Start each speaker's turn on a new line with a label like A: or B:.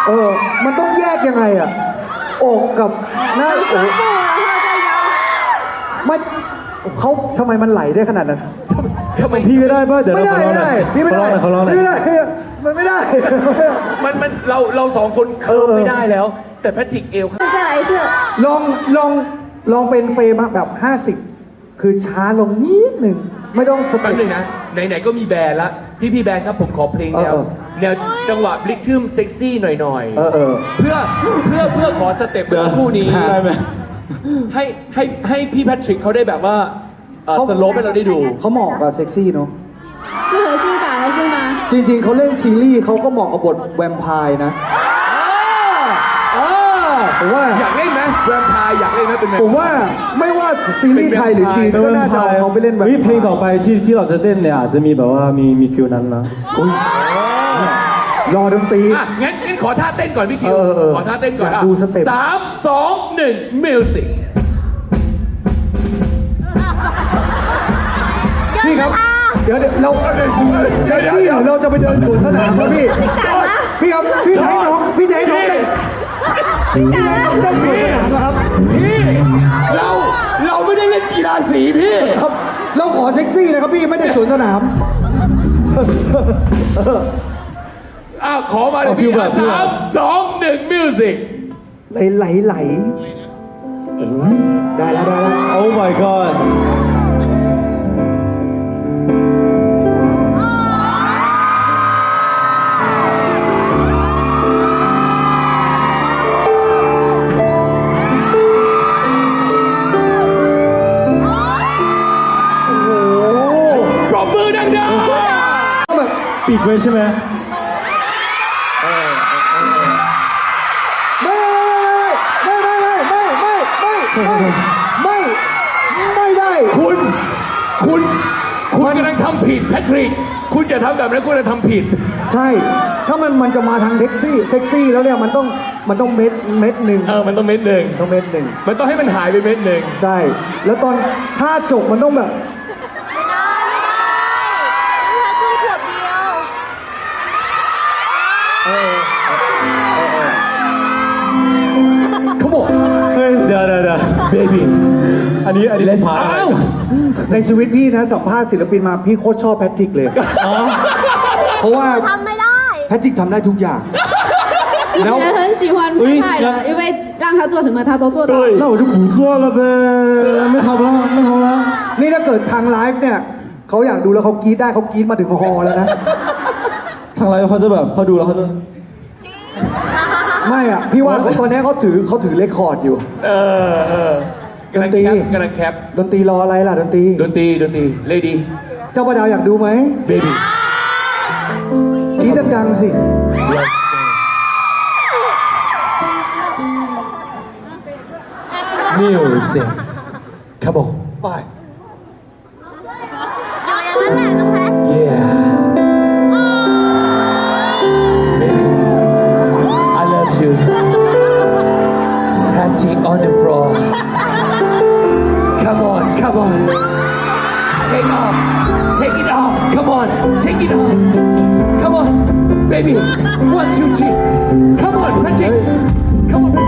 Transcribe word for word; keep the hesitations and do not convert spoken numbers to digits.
A: เออมันต้องแยกยังไงอ่ะอกกับหน้าอกไม่เขาทำไมมันไหลได้ขนาดนั้น
B: ทำไม
C: พี่ไม่ได้ป่ะเดี๋ยว
A: ไม่
C: เรา
A: ได้
C: ขอร้อง
A: ไม่
C: หน่
A: ได้
C: อย
A: พี่ไม่ได้
C: เขาร้องหน่อย
A: ไม่ได้มันไม่ได้
B: มันมันเราเราสองคนเคิร์ฟไม่ได้แล้ว แต่แพทริกเอล
D: 再来一次，
A: ลองลองลองเป็นเฟรมแบบห้าสิบคือช้าลงนิดหนึ่งไม่ต้องส
B: แป๊
A: เต็
B: บ
A: ป
B: นึงนะไหนๆก็มีแบรนด์ละพี่พี่แบรนด์ครับผมขอเพลงแนว
A: เออ
B: แนวจังหวะบลิกทึมเซ็กซี่หน่อย
A: เออเออ
B: เพื่อเพื่อเพื่อขอสเต็ปเมื่อสักครู่นี้
C: ได้ไหม
B: ให้ให้ให้พี่แพทริกเขาได้แบบว่าสโลปให้เราได้ดู
A: เขาเหมาะกับเซ็กซี่เนาะ
D: 适合性感的是吗？
A: จริงๆเขาเล่นซีรีส์เขาก็เหมาะกับบทแวมไพร์นะ ผมว่า
B: อยากเล่นไหมแวมไพร์อยากเล่นไหมเป็นไง
A: ผมว่าไม่ว่าซีรีส์ไทยหรือจีนก็น่าจะเอาเขาไปเล่นแบบ
C: วิเพลงต่อไปที่ที่เราจะเต้นเนี่ยอาจจะมีแบบว่ามีมีฟิลนั้นนะ
A: รอดนตรี
B: อ่ะงั้นงั้นขอท่าเต้นก่อนพี่คิว
A: เออเออ
B: ขอท่าเต้นก่อน
A: อยากดูสเต็ป
B: สามสองหนึ่งมิวสิก
A: พี่ครับ เดี๋ยวเดี๋ยวเราเซ็กซี่หรือเราจะไปเดินสวนสนามครับพี่ พี่ครับ พี่จะให้น้องพี่จะให้น้องเต้นพี่จะให้น้องเต้นสวนสนามนะครับ
B: พี่เราเราไม่ได้เล่นกีฬาสีพี่
A: ครับ เราขอเซ็กซี่นะครับพี่ไม่ได้สวนสนาม
B: อ้าวขอมาเลย
C: เอาฟิ
B: พี่
C: ลแบบฟิล
B: สา
C: แบบ
B: มสองหนึ่งมิวสิก
A: ไหลไหลไหลเอ้ยได้แล้วได้แล้ว
C: โอ้ my god
B: ปรบมือดัง
A: แบบ
C: ปิดไว้ใช่ไหม
A: ไม่ไม่ไม่ไม่ไม่ไม่ไม่ไม่ไม่ไม่ได้
B: ๆคุณคุณคุณกำลังทำผิดแพทริก คุณอย่าทำแบบนั้นคุณจะทำผิด
A: ใช่ ถ้ามันมันจะมาทางเซ็กซี่เซ็กซี่แล้วเนี่ยมันต้องมันต้องเม็ดเม็ดหนึ่ง
B: เออมันต้องเม็ดหนึ่ง
A: ต้องเม็ดหนึ่ง
B: มันต้องให้มันหายไปเม็ดหนึ่ง
A: ใช่ แล้วตอนท่าจบมันต้องแบบ
B: เขาบอก
C: เฮ้ยเดี๋ยวเดี๋ยวเดี๋ยว
B: baby
C: อันนี้อันนี้
B: let's
C: พา
B: อ้าว
A: ในชีวิตพี่นะสัมภาษณ์ศิลปินมาพี่โคตรชอบแพทริกเลย เพราะว่า
D: ทำไม่ได้
A: แพทริกทำได้ทุกอย่าง
D: 主持人很喜欢派派的，因为让他做什么他都做到。
C: 那我就不做了呗ไม่ทำแล้วไม่ทำแล้ว
A: นี่ถ้าเกิดทางไลฟ์เนี่ยเขาอยากดูแล้วเขากรี๊ดได้เขากรี๊ดมาถึงฮอแล้วนะ
C: ทางไลฟ์เขาจะแบบเขาดูแล้วเขาจะ
A: ไม่อ่ะ พี่ว่าเขาตอนนี้เขาถือเขาถือเรคคอร์ดอยู่
B: เออเออกำลัง
A: ดนตรี
B: แคปกำลังแคป
A: ดนตรีรออะไรล่ะดนตรี
B: ดนตรีดนตรีเลดี้
A: เจ้าประดาวอยากดูไหม
B: baby
A: กรี๊ดดังๆสิ
B: music ครับผม
A: ไป
B: yeah baby I love you touching on the floor come on come on take off take it off come on take it off come on baby one two three come on Patrick come on Patrick